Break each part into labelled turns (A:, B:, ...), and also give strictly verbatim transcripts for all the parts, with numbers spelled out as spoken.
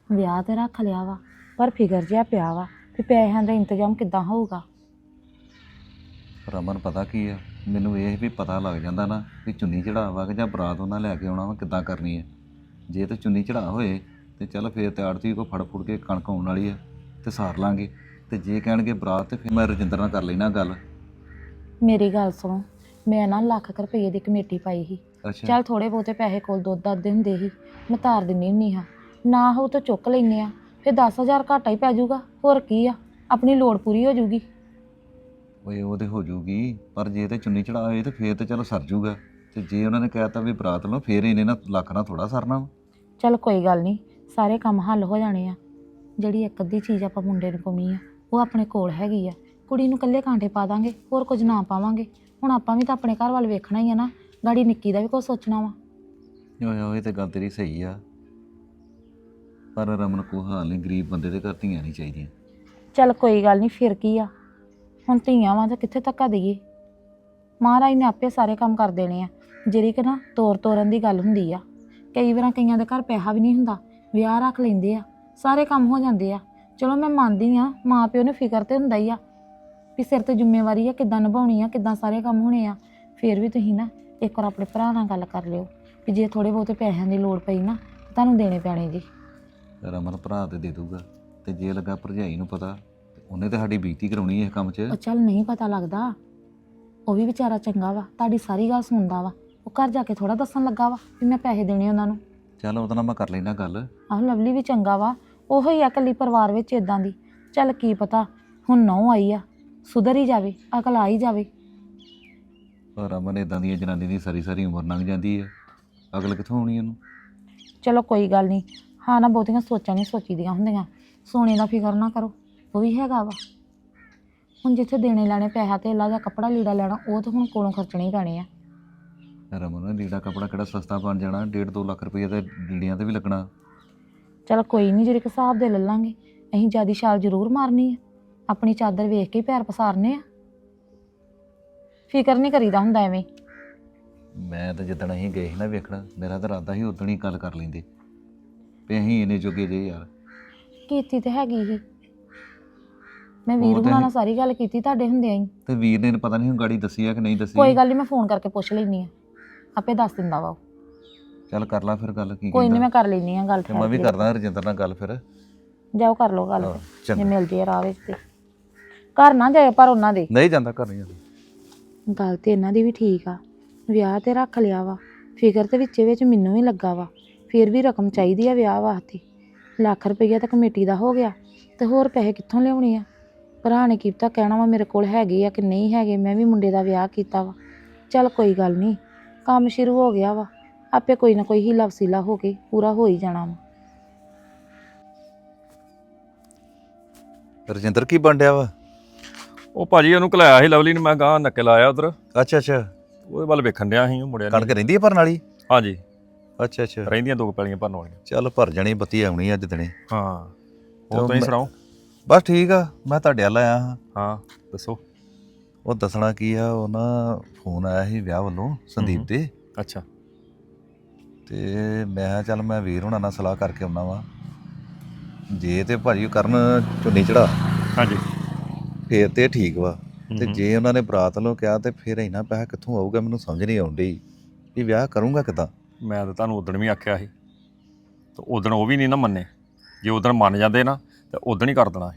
A: ਵਿਆਹ ਤੇ ਰੱਖ ਲਿਆ ਵਾ ਪਰ ਫਿਕਰ ਜਿਹਾ ਪਿਆ ਵਾ ਵੀ ਪੈਸਿਆਂ ਦਾ ਇੰਤਜ਼ਾਮ ਕਿੱਦਾਂ ਹੋਊਗਾ।
B: ਰਮਨ ਪਤਾ ਕੀ ਆ, ਮੈਨੂੰ ਇਹ ਵੀ ਪਤਾ ਲੱਗ ਜਾਂਦਾ ਨਾ ਵੀ ਚੁੰਨੀ ਚੜਾਵਾ ਕਿ ਜਾਂ ਬਰਾਤ ਉਹਨਾਂ ਲੈ ਕੇ ਆਉਣਾ ਵਾ ਕਿੱਦਾਂ ਕਰਨੀ ਹੈ। ਜੇ ਤੇ ਚੁੰਨੀ ਚੜਾ ਹੋਏ ਤੇ ਚੱਲ ਫੇਰ ਤੇ ਆੜਤੀ ਕੋ ਫੜ ਫੁੜ ਕੇ ਕਣਕ ਆਉਣ ਵਾਲੀ ਆ ਤੇ ਸਾਰ ਲਾਂਗੇ। ਤੇ ਜੇ ਕਹਿਣਗੇ ਬਰਾਤ ਤੇ ਫਿਰ ਮੈਂ ਰਜਿੰਦਰ ਨਾਲ ਕਰ ਲੈਣਾ ਗੱਲ।
A: ਮੇਰੀ ਗੱਲ ਸੁਣੋ, ਮੈਂ ਨਾ ਲੱਖ ਕੁ ਰੁਪਏ ਦੀ ਕਮੇਟੀ ਪਾਈ ਸੀ।
B: ਅੱਛਾ
A: ਚੱਲ ਥੋੜੇ ਬਹੁਤੇ ਪੈਸੇ ਕੋਲ ਦੁੱਧ ਦੱਦੇ ਹੁੰਦੇ ਸੀ, ਮੈਂ ਧਾਰ ਦਿੰਦੀ ਹੁੰਦੀ ਹਾਂ। ਨਾ ਹੋ ਤਾਂ ਚੁੱਕ ਲੈਂਦੇ ਆ, ਫਿਰ ਦਸ ਹਜ਼ਾਰ ਘਾਟਾ ਹੀ ਪੈ ਜਾਊਗਾ। ਹੋਰ ਕੀ ਆ, ਆਪਣੀ ਲੋੜ ਪੂਰੀ ਹੋ ਜਾਊਗੀ।
B: ਓਏ ਉਹ ਤੇ ਹੋ ਜੂਗੀ, ਪਰ ਜੇ ਤੇ ਚੁੰਨੀ ਚੜਾ ਹੋਏ ਤੇ ਫੇਰ ਤੇ ਚਲੋ ਸਰ ਜੂਗਾ। ਤੇ ਜੇ ਉਹਨਾਂ ਨੇ ਕਹਿਤਾ ਵੀ ਬਰਾਤ ਲਓ ਫੇਰ ਇਹਨੇ ਨਾ ਲੱਖ ਨਾਲ ਥੋੜਾ ਸਰਨਾ ਵਾ।
A: ਚੱਲ ਕੋਈ ਗੱਲ ਨਹੀਂ, ਸਾਰੇ ਕੰਮ ਹੱਲ ਹੋ ਜਾਣੇ ਆ। ਜਿਹੜੀ ਇੱਕ ਅੱਧੀ ਚੀਜ਼ ਆਪਾਂ ਮੁੰਡੇ ਨੂੰ ਪਾਉਣੀ ਆ ਉਹ ਆਪਣੇ ਕੋਲ ਹੈਗੀ ਆ। ਕੁੜੀ ਨੂੰ ਇਕੱਲੇ ਕਾਂਟੇ ਪਾ ਦਾਂਗੇ, ਹੋਰ ਕੁਝ ਨਾ ਪਾਵਾਂਗੇ। ਹੁਣ ਆਪਾਂ ਵੀ ਤਾਂ ਆਪਣੇ ਘਰ ਵੱਲ ਵੇਖਣਾ ਹੀ ਆ ਨਾ, ਗਾੜੀ ਨਿੱਕੀ ਦਾ ਵੀ ਕੁਛ ਸੋਚਣਾ ਵਾ।
B: ਓਏ ਓਏ ਇਹ ਤੇ ਗੱਲ ਤੇਰੀ ਸਹੀ ਆ, ਪਰ ਰਮਨ ਕੋ ਹਾਲ ਨਹੀਂ, ਗਰੀਬ ਬੰਦੇ ਦੇ ਘਰ ਧੀਆਂ ਨਹੀਂ ਚਾਹੀਦੀਆਂ।
A: ਚੱਲ ਕੋਈ ਗੱਲ ਨਹੀਂ, ਫਿਰ ਕੀ ਆ, ਹੁਣ ਧੀਆਂ ਵਾਂ ਤਾਂ ਕਿੱਥੇ ਧੱਕਾ ਦੇਈਏ। ਮਹਾਰਾਜ ਨੇ ਆਪੇ ਸਾਰੇ ਕੰਮ ਕਰ ਦੇਣੇ ਆ। ਜਿਹੜੀ ਕਿ ਨਾ ਤੋਰ ਤੋਰਨ ਦੀ ਗੱਲ ਹੁੰਦੀ ਆ। ਕਈ ਵਾਰਾਂ ਕਈਆਂ ਦੇ ਘਰ ਪੈਸਾ ਵੀ ਨਹੀਂ ਹੁੰਦਾ, ਵਿਆਹ ਰੱਖ ਲੈਂਦੇ ਆ, ਸਾਰੇ ਕੰਮ ਹੋ ਜਾਂਦੇ ਆ। ਚਲੋ ਮੈਂ ਮੰਨਦੀ ਆ, ਮਾਂ ਪਿਓ ਨੂੰ ਫਿਕਰ ਤੇ ਹੁੰਦਾ ਹੀ ਆ ਵੀ ਸਿਰ ਤੇ ਜ਼ਿੰਮੇਵਾਰੀ ਆ, ਕਿੱਦਾਂ ਨਿਭਾਉਣੀ ਆ, ਕਿੱਦਾਂ ਸਾਰੇ ਕੰਮ ਹੋਣੇ ਆ। ਫਿਰ ਵੀ ਤੁਸੀਂ ਨਾ ਇੱਕ ਵਾਰ ਆਪਣੇ ਭਰਾ ਨਾਲ ਗੱਲ ਕਰ ਲਿਓ ਵੀ ਜੇ ਥੋੜ੍ਹੇ ਬਹੁਤੇ ਪੈਸਿਆਂ ਦੀ ਲੋੜ ਪਈ ਨਾ ਤੁਹਾਨੂੰ ਦੇਣੇ ਪੈਣੇ ਜੀ।
B: ਰਮਨ ਭਰਾ ਤੇ ਦੇ ਦੂਗਾ, ਤੇ ਜੇ ਲੱਗਾ ਭਰਜਾਈ ਨੂੰ ਪਤਾ ਤੇ ਉਹਨੇ ਤੇ ਸਾਡੀ ਬੇਇੱਜ਼ਤੀ ਕਰਾਉਣੀ ਇਸ ਕੰਮ 'ਚ।
A: ਉਹ ਚੱਲ ਨਹੀਂ ਪਤਾ ਲੱਗਦਾ, ਉਹ ਵੀ ਵਿਚਾਰਾ ਚੰਗਾ ਵਾ, ਤੁਹਾਡੀ ਸਾਰੀ ਗੱਲ ਸੁਣਦਾ ਵਾ। ਉਹ ਘਰ ਜਾ ਕੇ ਥੋੜਾ ਦੱਸਣ ਲੱਗਾ ਵਾ ਵੀ ਮੈਂ ਪੈਸੇ ਦੇਣੇ ਉਹਨਾਂ ਨੂੰ।
B: ਚੱਲ ਉਹਦੇ ਨਾਲ ਮੈਂ ਕਰ ਲੈਣਾ ਗੱਲ।
A: ਆਹ ਲਵਲੀ ਵੀ ਚੰਗਾ ਵਾ, ਉਹੋ ਹੀ ਆ ਇਕੱਲੀ ਪਰਿਵਾਰ ਵਿੱਚ ਇਦਾਂ ਦੀ। ਚੱਲ ਕੀ ਪਤਾ ਹੁਣ ਨਹੁੰ ਆਈ ਆ, ਸੁਧਰ ਹੀ ਜਾਵੇ, ਅਕਲ ਆ ਹੀ ਜਾਵੇ।
B: ਪਰ ਰਮਨ ਇਦਾਂ ਦੀਆਂ ਜਨਾਨੀ ਦੀ ਸਾਰੀ ਸਾਰੀ ਉਮਰ ਲੰਘ ਜਾਂਦੀ ਹੈ, ਅਗਲ ਕਿੱਥੋਂ ਆਉਣੀ ਉਹਨੂੰ।
A: ਚਲੋ ਕੋਈ ਗੱਲ ਨਹੀਂ, ਹਾਂ ਨਾ ਬਹੁਤੀਆਂ ਸੋਚਾਂ ਨਹੀਂ ਸੋਚੀਦੀਆਂ ਹੁੰਦੀਆਂ। ਸੋਨੇ ਦਾ ਫਿਕਰ ਨਾ ਕਰੋ, ਉਹ ਵੀ ਹੈਗਾ ਵਾ। ਹੁਣ ਜਿੱਥੇ ਦੇਣੇ ਲੈਣੇ ਪੈਸਾ ਧੇਲਾ ਜਾਂ ਕੱਪੜਾ ਲੀੜਾ ਲੈਣਾ, ਉਹ ਤਾਂ ਹੁਣ ਕੋਲੋਂ ਖਰਚਣੇ ਹੀ ਪੈਣੇ ਆ।
B: ਰਮਨ ਲੀੜਾ ਕੱਪੜਾ ਕਿਹੜਾ ਸਸਤਾ ਬਣ ਜਾਣਾ, ਡੇਢ ਦੋ ਲੱਖ ਰੁਪਈਆ ਤੇ ਲੀੜਿਆਂ ਤੇ ਵੀ ਲੱਗਣਾ।
A: ਚਲ ਕੋਈ ਨਹੀਂ, ਜਿਹੜੇ ਹਿਸਾਬ ਦੇ ਲੈ ਲਾਂਗੇ। ਅਸੀਂ ਜਿਆਦੀ ਛਾਲ ਜ਼ਰੂਰ ਮਾਰਨੀ ਆ, ਆਪਣੀ ਚਾਦਰ ਵੇਖ ਕੇ ਹੀ ਪੈਰ ਪਸਾਰਨੇ ਆ। ਫਿਕਰ ਨਹੀਂ ਕਰੀਦਾ ਹੁੰਦਾ ਐਵੇਂ।
B: ਮੈਂ ਤਾਂ ਜਿੱਦਣ ਅਸੀਂ ਗਏ ਸੀ ਨਾ ਵੇਖਣਾ, ਮੇਰਾ ਤਾਂ ਇਰਾਦਾ ਸੀ ਉਦਣ ਹੀ ਗੱਲ ਕਰ ਲੈਂਦੇ ਵੀ ਅਸੀਂ ਇੰਨੇ ਜੋਗੇ ਜੇ ਯਾਰ।
A: ਕੀਤੀ ਤੇ ਹੈਗੀ ਹੀ, ਮੈਂ ਵੀਰ ਹੁਣਾਂ ਨਾਲ ਸਾਰੀ ਗੱਲ ਕੀਤੀ ਤੁਹਾਡੇ ਹੁੰਦਿਆਂ ਹੀ।
B: ਤੇ ਵੀਰ ਨੇ ਪਤਾ ਨਹੀਂ ਗਾੜੀ ਦੱਸੀ ਆ ਕਿ ਨਹੀਂ ਦੱਸੀ।
A: ਕੋਈ ਗੱਲ ਨਹੀਂ, ਮੈਂ ਫੋਨ ਕਰਕੇ ਪੁੱਛ ਲੈਣੀ ਆ, ਆਪੇ ਦੱਸ ਦਿੰਦਾ ਵਾ ਉਹ।
B: ਚੱਲ ਕਰ ਲਾ ਫਿਰ ਗੱਲ, ਕੀ
A: ਕੋਈ
B: ਕਹਿੰਦਾ।
A: ਨਹੀਂ, ਮੈਂ ਕਰ ਲੈਣੀ ਆ ਗੱਲ।
B: ਤੇ ਮੈਂ ਵੀ ਕਰਦਾ ਰਜਿੰਦਰ ਨਾਲ ਗੱਲ ਫਿਰ।
A: ਜਾਓ ਕਰ ਲਓ ਗੱਲ, ਜੇ
B: ਚੰਗਾ।
A: ਮਿਲ ਜੇ ਰਾਹ ਵਿੱਚ ਤੇ। ਘਰ ਨਾ ਜਾਏ ਪਰ ਉਹਨਾਂ ਦੇ।
B: ਨਹੀਂ ਜਾਂਦਾ, ਘਰ ਨਹੀਂ ਜਾਂਦਾ।
A: ਗੱਲ ਤੇ ਇਹਨਾਂ ਦੀ ਵੀ ਠੀਕ ਆ, ਵਿਆਹ ਤੇ ਰੱਖ ਲਿਆ ਵਾ। ਫਿਕਰ ਤੇ ਵਿੱਚੇ ਵਿੱਚ ਮੈਨੂੰ ਵੀ ਲੱਗਾ ਵਾ। ਫਿਰ ਵੀ ਰਕਮ ਚਾਹੀਦੀ ਆ ਵਿਆਹ ਵਾਸਤੇ। ਲੱਖ ਰੁਪਈਆ ਤਾਂ ਕਮੇਟੀ ਦਾ ਹੋ ਗਿਆ, ਤੇ ਹੋਰ ਪੈਸੇ ਕਿੱਥੋਂ ਲਿਆਉਣੇ ਆ। ਭਰਾ ਨੇ ਕੀ ਪਤਾ ਕਹਿਣਾ ਵਾ ਮੇਰੇ ਕੋਲ ਹੈਗੇ ਆ ਕਿ ਨਹੀਂ ਹੈਗੇ। ਮੈਂ ਵੀ ਮੁੰਡੇ ਦਾ ਵਿਆਹ ਕੀਤਾ ਵਾ। ਚੱਲ ਕੋਈ ਗੱਲ ਨਹੀਂ, ਕੰਮ ਸ਼ੁਰੂ ਹੋ ਗਿਆ ਵਾ, ਆਪੇ ਕੋਈ ਨਾ ਕੋਈ ਹੀਲਾ ਵਸੀਲਾ ਹੋ ਕੇ ਪੂਰਾ ਹੋ ਹੀ ਜਾਣਾ ਵਾ।
B: ਰਜਿੰਦਰ ਕੀ ਬਣ ਡਿਆ ਵਾ?
C: ਉਹ ਭਾਜੀ ਉਹਨੂੰ ਘਲਾਇਆ ਸੀ ਲਵਲੀ ਨੂੰ, ਮੈਂ ਗਾਂ ਨੱਕੇ ਲਾਇਆ ਉਧਰ,
B: ਅੱਛਾ ਅੱਛਾ।
C: ਉਹਦੇ ਵੱਲ ਵੇਖਣ ਡਿਆ ਸੀ ਉਹ ਮੁੜਿਆ
B: ਕਣਕ ਰਹਿੰਦੀ ਹੈ ਭਰਨ ਵਾਲੀ?
C: ਹਾਂਜੀ
B: ਅੱਛਾ ਅੱਛਾ।
C: ਰਹਿੰਦੀਆਂ ਦੋ ਪੈਲੀਆਂ ਭਰਨ ਵਾਲੀਆਂ।
B: ਚੱਲ ਭਰ ਜਾਣੀ, ਬੱਤੀ ਆਉਣੀ ਅੱਜ ਦਿਨੇ।
C: ਹਾਂ ਉਹ ਤੁਸੀਂ ਸੁਣਾਓ?
B: ਬਸ ਠੀਕ ਆ, ਮੈਂ ਤੁਹਾਡੇ ਵੱਲ ਆਇਆ ਹਾਂ।
C: ਹਾਂ ਦੱਸੋ।
B: ਉਹ ਦੱਸਣਾ ਕੀ ਆ, ਉਹ ਨਾ ਫੋਨ ਆਇਆ ਸੀ ਵਿਆਹ ਵੱਲੋਂ ਸੰਦੀਪ ਦੇ।
C: ਅੱਛਾ।
B: ਤੇ ਮੈਂ ਕਿਹਾ ਚੱਲ ਮੈਂ ਵੀਰ ਹੁਣਾਂ ਨਾਲ ਸਲਾਹ ਕਰਕੇ ਆਉਣਾ ਵਾ। ਜੇ ਤੇ ਭਾਜੀ ਕਰਨ ਚੁੰਨੀ ਚੜਾ
C: ਹਾਂਜੀ
B: ਫੇਰ ਤੇ ਠੀਕ ਵਾ। ਤੇ ਜੇ ਉਹਨਾਂ ਨੇ ਬਰਾਤ ਵੱਲੋਂ ਕਿਹਾ ਤੇ ਫਿਰ ਇੰਨਾ ਪੈਸਾ ਕਿੱਥੋਂ ਆਊਗਾ, ਮੈਨੂੰ ਸਮਝ ਨਹੀਂ ਆਉਂਦੀ ਵੀ ਵਿਆਹ ਕਰੂੰਗਾ ਕਿੱਦਾਂ।
C: ਮੈਂ ਤਾਂ ਤੁਹਾਨੂੰ ਉਦਣ ਵੀ ਆਖਿਆ ਸੀ, ਤੇ ਉਦਣ ਉਹ ਵੀ ਨਹੀਂ ਨਾ ਮੰਨੇ। ਜੇ ਉਦਣ ਮੰਨ ਜਾਂਦੇ ਨਾ ਤੇ ਉਦਣ ਹੀ ਕਰ ਦੇਣਾ।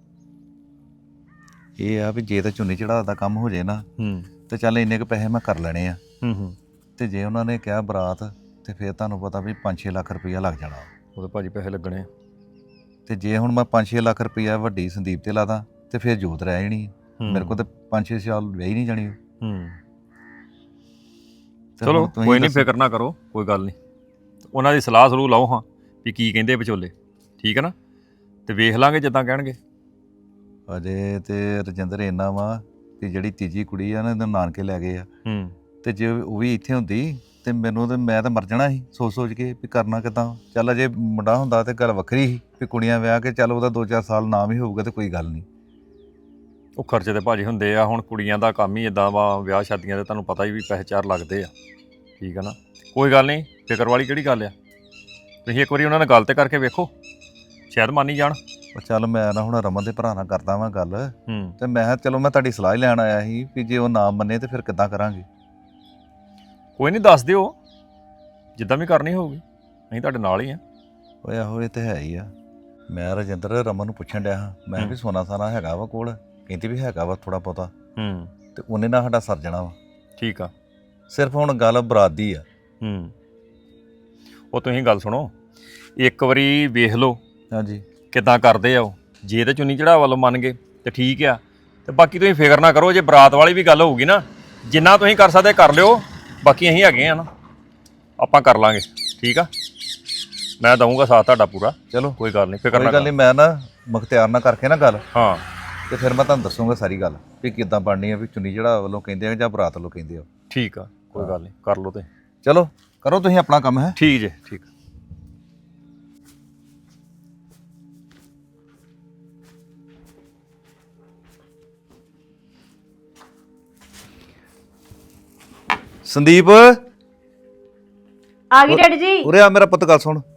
B: ਇਹ ਆ ਵੀ ਜੇ ਤਾਂ ਚੁੰਨੀ ਚੜਾ ਦਾ ਕੰਮ ਹੋ ਜੇ ਨਾ
C: ਹੂੰ
B: ਤੇ ਚੱਲ ਇੰਨੇ ਕੁ ਪੈਸੇ ਮੈਂ ਕਰ ਲੈਣੇ ਆ।
C: ਹੂੰ ਹੂੰ
B: ਤੇ ਜੇ ਉਹਨਾਂ ਨੇ ਕਿਹਾ ਬਰਾਤ ਤੇ ਫਿਰ ਤੁਹਾਨੂੰ ਪਤਾ ਵੀ ਪੰਜ ਛੇ ਲੱਖ ਰੁਪਈਆ ਲੱਗ ਜਾਣਾ।
C: ਉਹਦੇ ਭਾਜੀ ਪੈਸੇ ਲੱਗਣੇ।
B: ਤੇ ਜੇ ਹੁਣ ਮੈਂ ਪੰਜ ਛੇ ਲੱਖ ਰੁਪਈਆ ਵੱਡੀ ਸੰਦੀਪ ਤੇ ਲਾਦਾ ਤੇ ਫਿਰ ਜੋਤ ਰਹਿ ਜਾਣੀ। ਮੇਰੇ ਕੋਲ ਤੇ ਪੰਜ ਛੇ ਸਾਲ ਵਿਆਹ ਹੀ ਨਹੀਂ ਜਾਣੀ।
C: ਹੂੰ ਚਲੋ ਕੋਈ ਨਹੀਂ, ਫਿਕਰ ਨਾ ਕਰੋ, ਕੋਈ ਗੱਲ ਨਹੀਂ। ਉਹਨਾਂ ਦੀ ਸਲਾਹ ਸਲੂਹ ਲਓ ਹਾਂ ਵੀ ਕੀ ਕਹਿੰਦੇ ਵਿਚੋਲੇ, ਠੀਕ ਹੈ ਨਾ, ਤੇ ਵੇਖ ਲਾਂਗੇ ਜਿੱਦਾਂ ਕਹਿਣਗੇ।
B: ਅਜੇ ਤੇ ਰਜਿੰਦਰ ਇੰਨਾ ਵਾ ਕਿ ਜਿਹੜੀ ਤੀਜੀ ਕੁੜੀ ਆ ਨਾ ਇਹਦੇ ਨਾਨਕੇ ਲੈ ਗਏ ਆ।
C: ਹੂੰ
B: ਤੇ ਜੇ ਉਹ ਵੀ ਇੱਥੇ ਹੁੰਦੀ ਤੇ ਮੈਨੂੰ ਤੇ ਮੈਂ ਤਾਂ ਮਰ ਜਾਣਾ ਸੀ ਸੋਚ ਸੋਚ ਕੇ ਵੀ ਕਰਨਾ ਕਿੱਦਾਂ। ਚੱਲ ਅਜੇ ਮੁੰਡਾ ਹੁੰਦਾ ਤੇ ਗੱਲ ਵੱਖਰੀ ਸੀ ਵੀ ਕੁੜੀਆਂ ਵਿਆਹ ਕੇ ਚੱਲ ਉਹਦਾ ਦੋ ਚਾਰ ਸਾਲ ਨਾਮ ਹੀ ਹੋਊਗਾ ਤੇ ਕੋਈ ਗੱਲ ਨਹੀਂ।
C: ਉਹ ਖਰਚੇ ਤੇ ਭਾਜੀ ਹੁੰਦੇ ਆ, ਹੁਣ ਕੁੜੀਆਂ ਦਾ ਕੰਮ ਹੀ ਇਦਾਂ ਵਾ, ਵਿਆਹ ਸ਼ਾਦੀਆਂ ਦੇ ਤੁਹਾਨੂੰ ਪਤਾ ਹੀ ਵੀ ਪੈਸੇ ਚਾਰ ਲੱਗਦੇ ਆ, ਠੀਕ ਆ ਨਾ। ਕੋਈ ਗੱਲ ਨਹੀਂ, ਫਿਕਰ ਵਾਲੀ ਕਿਹੜੀ ਗੱਲ ਆ। ਤੁਸੀਂ ਇੱਕ ਵਾਰੀ ਉਹਨਾਂ ਨਾਲ ਗੱਲ ਤੇ ਕਰਕੇ ਵੇਖੋ, ਸ਼ਾਇਦ ਮੰਨ ਹੀ ਜਾਣ।
B: ਉਹ ਚੱਲ ਮੈਂ ਨਾ ਹੁਣ ਰਮਨ ਦੇ ਭਰਾ ਨਾਲ ਕਰਦਾ ਵਾਂ ਗੱਲ,
C: ਹੂੰ
B: ਤੇ ਮੈਂ ਕਿਹਾ ਚਲੋ ਮੈਂ ਤੁਹਾਡੀ ਸਲਾਹ ਹੀ ਲੈਣ ਆਇਆ ਸੀ ਵੀ ਜੇ ਉਹ ਨਾ ਮੰਨੇ ਤੇ ਫਿਰ ਕਿੱਦਾਂ ਕਰਾਂਗੇ।
C: ਕੋਈ ਨਹੀਂ, ਦੱਸ ਦਿਓ ਜਿੱਦਾਂ ਵੀ ਕਰਨੀ ਹੋਊਗੀ, ਅਸੀਂ ਤੁਹਾਡੇ ਨਾਲ ਹੀ ਆ।
B: ਓਏ ਆਹੋ ਇਹ ਤੇ ਹੈ ਹੀ ਆ। ਮੈਂ ਰਜਿੰਦਰ ਰਮਨ ਨੂੰ ਪੁੱਛਣ ਡਿਆ ਹਾਂ, ਮੈਂ ਕਿਹਾ ਵੀ ਸੋਨਾ ਸਾਨਾ ਹੈਗਾ ਵਾ ਕੋਲ, ਕਹਿੰਦੀ ਵੀ ਹੈਗਾ ਵਾ ਥੋੜਾ ਬਹੁਤਾ,
C: ਹੂੰ
B: ਤੇ ਉਹਨੇ ਨਾਲ ਸਾਡਾ ਸਰ ਜਾਣਾ ਵਾ।
C: ਠੀਕ ਆ।
B: ਸਿਰਫ ਹੁਣ ਗੱਲ ਬਰਾਤ ਦੀ ਆ।
C: ਹੂੰ ਉਹ ਤੁਸੀਂ ਗੱਲ ਸੁਣੋ, ਇੱਕ ਵਾਰੀ ਵੇਖ ਲਓ
B: ਹਾਂਜੀ
C: ਕਿੱਦਾਂ ਕਰਦੇ ਆ ਉਹ। ਜੇ ਤੇ ਚੁੰਨੀ ਚੜਾ ਵੱਲੋਂ ਮੰਨ ਗਏ ਤੇ ਠੀਕ ਆ, ਤੇ ਬਾਕੀ ਤੁਸੀਂ ਫਿਕਰ ਨਾ ਕਰੋ। ਜੇ ਬਰਾਤ ਵਾਲੀ ਵੀ ਗੱਲ ਹੋਊਗੀ ਨਾ, ਜਿੰਨਾ ਤੁਸੀਂ ਕਰ ਸਕਦੇ ਕਰ ਲਿਓ, ਬਾਕੀ ਅਸੀਂ ਹੈਗੇ ਆ ਨਾ, ਆਪਾਂ ਕਰ ਲਾਂਗੇ। ਠੀਕ ਆ, ਮੈਂ ਦਊਂਗਾ ਸਾਥ ਤੁਹਾਡਾ ਪੂਰਾ।
B: ਚਲੋ
C: ਕੋਈ ਗੱਲ ਨਹੀਂ, ਫਿਕਰ
B: ਕੋਈ
C: ਨਾ
B: ਗੱਲ
C: ਕਰੋ।
B: ਨਹੀਂ, ਮੈਂ ਨਾ ਮੁਖਤਿਆਰ ਨਾਲ ਕਰਕੇ ਨਾ ਗੱਲ,
C: ਹਾਂ
B: ਤੇ ਫਿਰ ਮੈਂ ਤੁਹਾਨੂੰ ਦੱਸੂਗਾ ਸਾਰੀ ਗੱਲ ਵੀ ਕਿੱਦਾਂ ਬਣਨੀ ਆ, ਵੀ ਚੁੰਨੀ ਚੜਾ ਵੱਲੋਂ ਕਹਿੰਦੇ ਆ ਜਾਂ ਬਰਾਤ ਵੱਲੋਂ ਕਹਿੰਦੇ ਆ।
C: ਠੀਕ ਆ, ਕੋਈ ਗੱਲ ਨਹੀਂ, ਕਰ ਲਓ ਤੁਸੀਂ।
B: ਚਲੋ ਕਰੋ ਤੁਸੀਂ ਆਪਣਾ ਕੰਮ। ਹੈ
C: ਠੀਕ ਜੇ, ਠੀਕ।
B: ਸੰਦੀਪ
A: ਆ ਗਈ ਡੈਡੀ ਜੀ।
B: ਉਰੇ ਆ ਮੇਰਾ ਪੁੱਤ, ਗੱਲ ਸੁਣ।